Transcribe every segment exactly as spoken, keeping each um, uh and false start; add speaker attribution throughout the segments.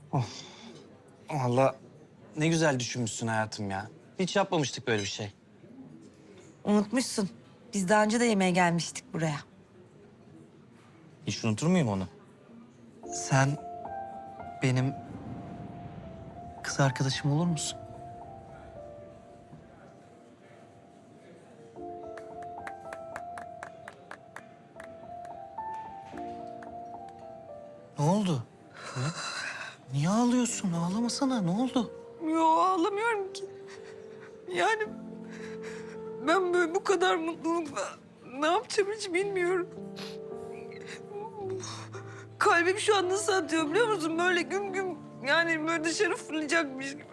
Speaker 1: Oh. Vallahi ne güzel düşünmüşsün hayatım ya. Hiç yapmamıştık böyle bir şey.
Speaker 2: Unutmuşsun. Biz daha önce de yemeğe gelmiştik buraya.
Speaker 1: Hiç unutur muyum onu? Sen benim kız arkadaşım olur musun? Ne oldu? Ha? Niye ağlıyorsun? Ağlamasana. Ne oldu?
Speaker 2: Yo, ağlamıyorum ki. Yani ben böyle bu kadar mutlulukla ne yapacağım hiç bilmiyorum. Kalbim şu an nasıl atıyor biliyor musun? Böyle güm güm, yani böyle dışarı fırlayacakmış gibi.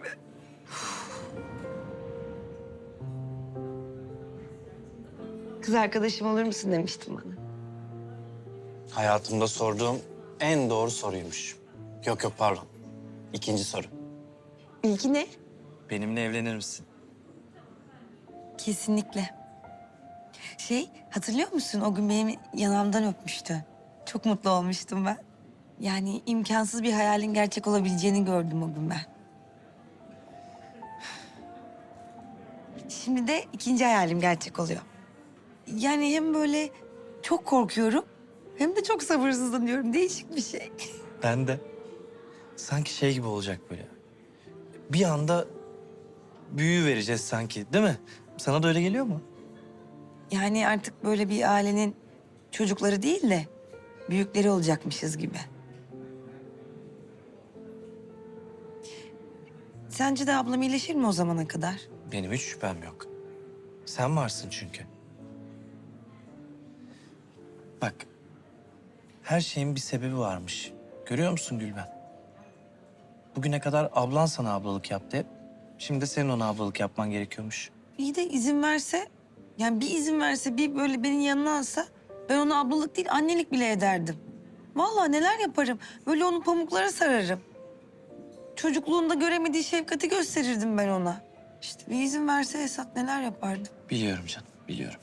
Speaker 2: Kız arkadaşım olur musun demiştin bana.
Speaker 1: Hayatımda sorduğum en doğru soruymuş. Yok yok pardon. İkinci soru.
Speaker 2: İlki ne?
Speaker 1: Benimle evlenir misin?
Speaker 2: Kesinlikle. Şey, hatırlıyor musun? O gün benim yanağımdan öpmüştü. Çok mutlu olmuştum ben. Yani imkansız bir hayalin gerçek olabileceğini gördüm o gün ben. Şimdi de ikinci hayalim gerçek oluyor. Yani hem böyle çok korkuyorum hem de çok sabırsızlanıyorum. Değişik bir şey.
Speaker 1: Ben de. Sanki şey gibi olacak böyle. Bir anda büyü vereceğiz sanki, değil mi? Sana da öyle geliyor mu?
Speaker 2: Yani artık böyle bir ailenin çocukları değil de büyükleri olacakmışız gibi. Sence de ablam iyileşir mi o zamana kadar?
Speaker 1: Benim hiç şüphem yok. Sen varsın çünkü. Bak, her şeyin bir sebebi varmış. Görüyor musun Gülben? Bugüne kadar ablan sana ablalık yaptı hep. Şimdi de senin ona ablalık yapman gerekiyormuş.
Speaker 2: İyi de izin verse, yani bir izin verse, bir böyle beni yanına alsa ben ona ablalık değil annelik bile ederdim. Vallahi neler yaparım. Böyle onu pamuklara sararım. Çocukluğunda göremediği şefkati gösterirdim ben ona. İşte bir izin verse Esat neler yapardı.
Speaker 1: Biliyorum canım, biliyorum.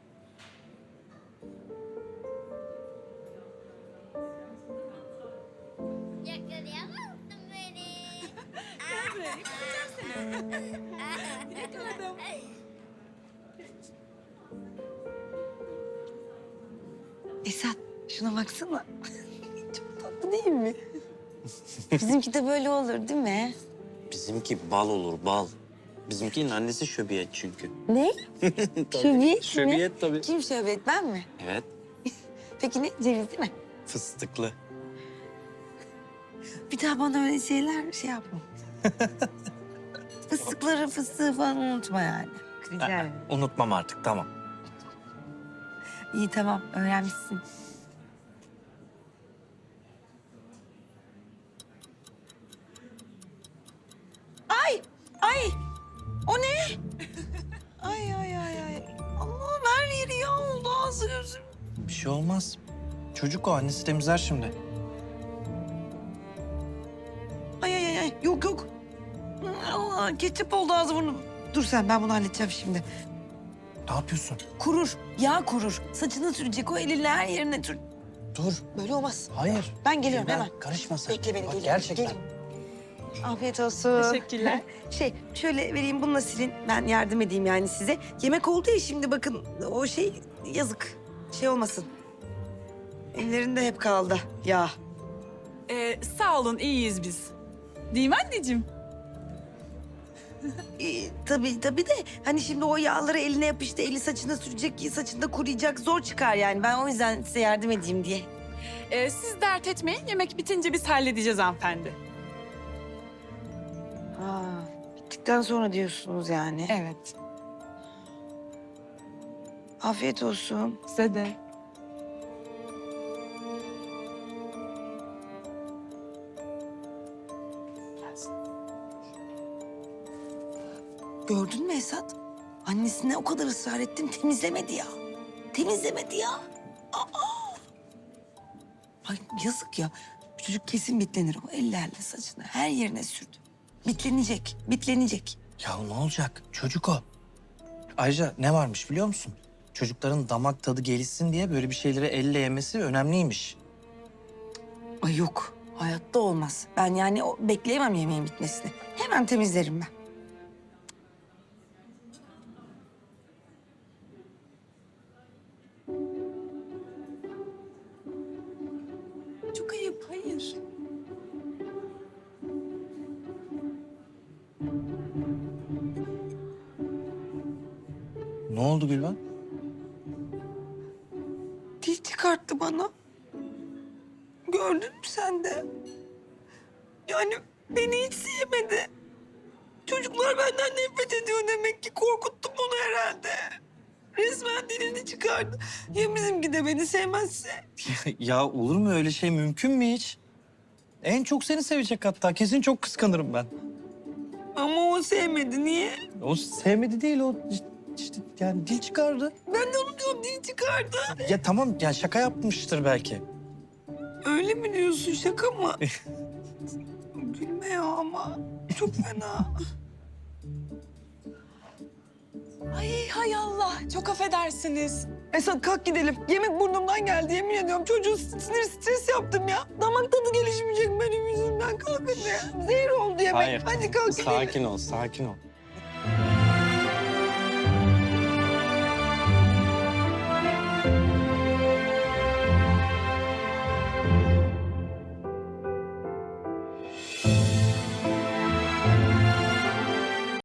Speaker 3: Yakalayamazsın beni. Yakaladım.
Speaker 2: Esat şuna baksana. Çok tatlı değil mi? Bizimki de böyle olur değil mi?
Speaker 1: Bizimki bal olur, bal. Bizimkinin annesi şöbiyet çünkü.
Speaker 2: Ne? Şöbiyet mi?
Speaker 1: Şöbiyet tabii.
Speaker 2: Kim şöbiyet, ben mi?
Speaker 1: Evet,
Speaker 2: Peki ne? Ceviz değil mi?
Speaker 1: fıstıklı.
Speaker 2: Bir daha bana öyle şeyler şey yapma. Fıstıkları, fıstığı falan unutma yani. Rica ederim.
Speaker 1: Unutmam artık, tamam.
Speaker 2: İyi tamam, öğrenmişsin. Ay, ay! O ne? Ay, ay, ay, ay. Allah'ım her yeri yağ oldu, ağzı gözüm.
Speaker 1: Bir şey olmaz. Çocuk o, annesi temizler şimdi.
Speaker 2: Ay, ay, ay, ay. Yok, yok. Allah, ketçap oldu ağzı burnum. Dur sen, ben bunu halledeceğim şimdi.
Speaker 1: Ne yapıyorsun?
Speaker 2: Kurur, yağ kurur. Saçını sürecek, o elinle her yerine sür.
Speaker 1: Dur.
Speaker 2: Böyle olmaz.
Speaker 1: Hayır.
Speaker 2: Ben geliyorum
Speaker 1: Gülben,
Speaker 2: hemen.
Speaker 1: Karışma sen.
Speaker 2: Bekle beni,
Speaker 1: Bak,
Speaker 2: geliyorum.
Speaker 1: gerçekten.
Speaker 2: Geliyorum. Afiyet olsun.
Speaker 4: Teşekkürler.
Speaker 2: Şey, şöyle vereyim bununla silin. Ben yardım edeyim yani size. Yemek oldu ya şimdi bakın o şey yazık. Şey olmasın. Ellerinde hep kaldı yağ.
Speaker 4: Ee, sağ olun, iyiyiz biz. Değil mi anneciğim?
Speaker 2: Ee, tabii tabii de hani şimdi o yağları eline yapıştı, eli saçına sürecek, saçında kuruyacak, zor çıkar yani. Ben o yüzden size yardım edeyim diye.
Speaker 4: Ee, siz dert etmeyin, yemek bitince biz halledeceğiz hanımefendi.
Speaker 2: Ha, bittikten sonra diyorsunuz yani.
Speaker 4: Evet.
Speaker 2: Afiyet olsun.
Speaker 4: Size de.
Speaker 2: Gördün mü Esat? Annesine o kadar ısrar ettim, temizlemedi ya. Temizlemedi ya. Aa! Ay yazık ya. Bu çocuk kesin bitlenir. O ellerle saçını her yerine sürdü. Bitlenecek, bitlenecek.
Speaker 1: Ya ne olacak? Çocuk o. Ayrıca ne varmış biliyor musun? Çocukların damak tadı gelişsin diye böyle bir şeyleri elle yemesi önemliymiş.
Speaker 2: Ay yok. Hayatta olmaz. Ben yani o, bekleyemem yemeğin bitmesini. Hemen temizlerim ben.
Speaker 4: Çok ayıp, hayır.
Speaker 1: Ne oldu Gülben?
Speaker 2: Dil çıkarttı bana. Gördün mü sen de? Yani beni hiç sevmedi. Çocuklar benden nefret ediyor demek ki. Korkuttum onu herhalde. Resmen dilini çıkardı. Ya bizimki de beni sevmezse?
Speaker 1: Ya olur mu öyle şey, mümkün mü hiç? En çok seni sevecek hatta. Kesin çok kıskanırım ben.
Speaker 2: Ama o sevmedi. Niye?
Speaker 1: O sevmedi değil, o işte yani dil çıkardı.
Speaker 2: Ben de onu diyorum, dil çıkardı.
Speaker 1: Ya tamam, yani şaka yapmıştır belki.
Speaker 2: Öyle mi diyorsun, şaka mı? Gülme ya ama. Çok fena.
Speaker 4: Ay hay Allah, çok affedersiniz.
Speaker 2: Esat kalk gidelim. Yemek burnumdan geldi, yemin ediyorum. Çocuğu sinir stres yaptım ya. Damak tadı gelişmeyecek benim yüzümden. Kalk hadi. Zehir oldu yemek.
Speaker 1: Hayır.
Speaker 2: Hadi kalk gidelim.
Speaker 1: Sakin ol, sakin ol.